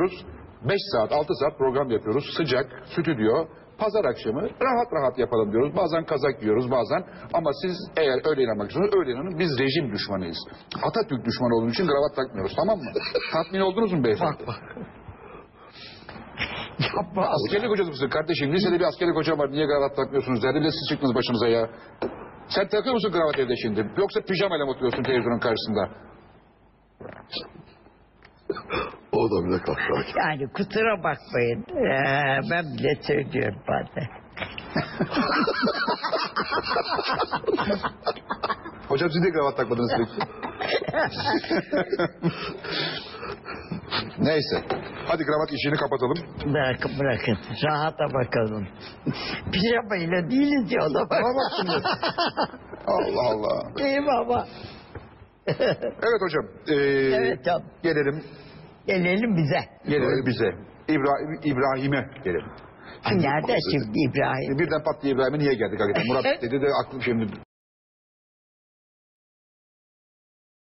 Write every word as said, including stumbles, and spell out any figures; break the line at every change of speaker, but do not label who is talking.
geliyoruz. beş saat, altı saat program yapıyoruz. Sıcak, stüdyo, pazar akşamı rahat rahat yapalım diyoruz. Bazen kazak yiyoruz, bazen. Ama siz eğer öyle inanmak istiyorsanız öyle inanın. Biz rejim düşmanıyız. Atatürk düşmanı olduğumuz için kravat takmıyoruz, tamam mı? Tatmin oldunuz mu beyefendi?
Bak bak. Yapma.
Askerlik hocası mısın kardeşim? Lisede bir askerlik hocam var. Niye kravat takmıyorsunuz derdi. Bir de siz çıktınız başınıza ya. Sen takıyor musun kravat evde şimdi? Yoksa pijamayla mı oturuyorsun televizyonun karşısında?
O da bile kahkaha.
Yani kusura bakmayın. Ee, ben bile söylüyorum bazen.
Hocam siz de kravat takmadınız sürekli. Neyse. Hadi kravat işini kapatalım.
Bırakın bırakın. Rahata bakalım. Pijamayla değiliz ya o da bak.
Allah Allah.
İyi baba.
Evet hocam. Ee,
Evet canım.
Gelelim.
Gelelim bize.
Gelelim bize. İbrahim, İbrahim'e gelelim.
Nerede şimdi İbrahim?
Birden pat diye İbrahim'e niye geldik hakikaten? Murat dedi de aklım şimdi